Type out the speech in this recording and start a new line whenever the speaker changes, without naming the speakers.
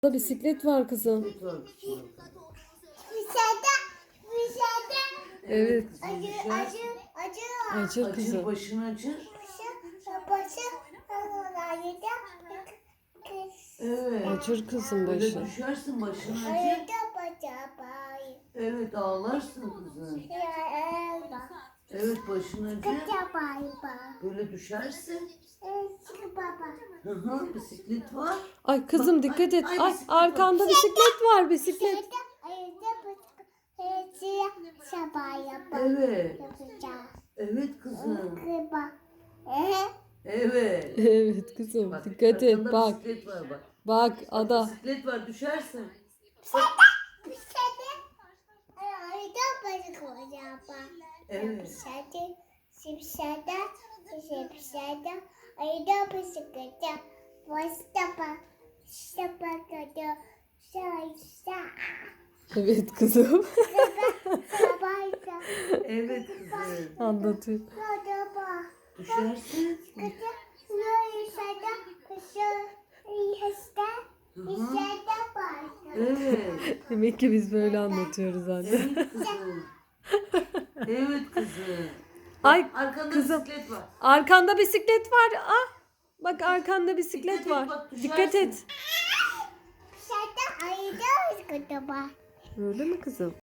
Burada bisiklet var kızım.
Bisiklet var kızım.
Evet.
Düşer.
Acır
Acır,
kızım.
başını acır. Evet.
Acır kızım
Böyle
başı.
düşersin, başını acır. Evet, ağlarsın kızım. Evet, başını acır. Böyle düşersin. Hı hı, bisiklet var.
Ay kızım
Bak,
dikkat et.
ay,
Ay
bisiklet var.
arkanda bisiklet var bisiklet.
Evet. Evet kızım. Evet.
Evet kızım
Bak,
dikkat et
arkanda
bak.
bisiklet var bak.
Bak
Bak,
ada.
bisiklet var, düşersin. Evet.
Evet kızım.
Evet kızım.
Anlatıyor.
Düşersin. Hı hı. Evet.
Demek ki biz böyle anlatıyoruz anne.
Evet kızım. Evet kızım.
Ay
Arkanda
kızım.
bisiklet var.
Arkanda bisiklet var. Ah. Bak arkanda bisiklet
Dikkat et,
var.
bak,
Dikkat
düşersin.
et. Öyle mi kızım?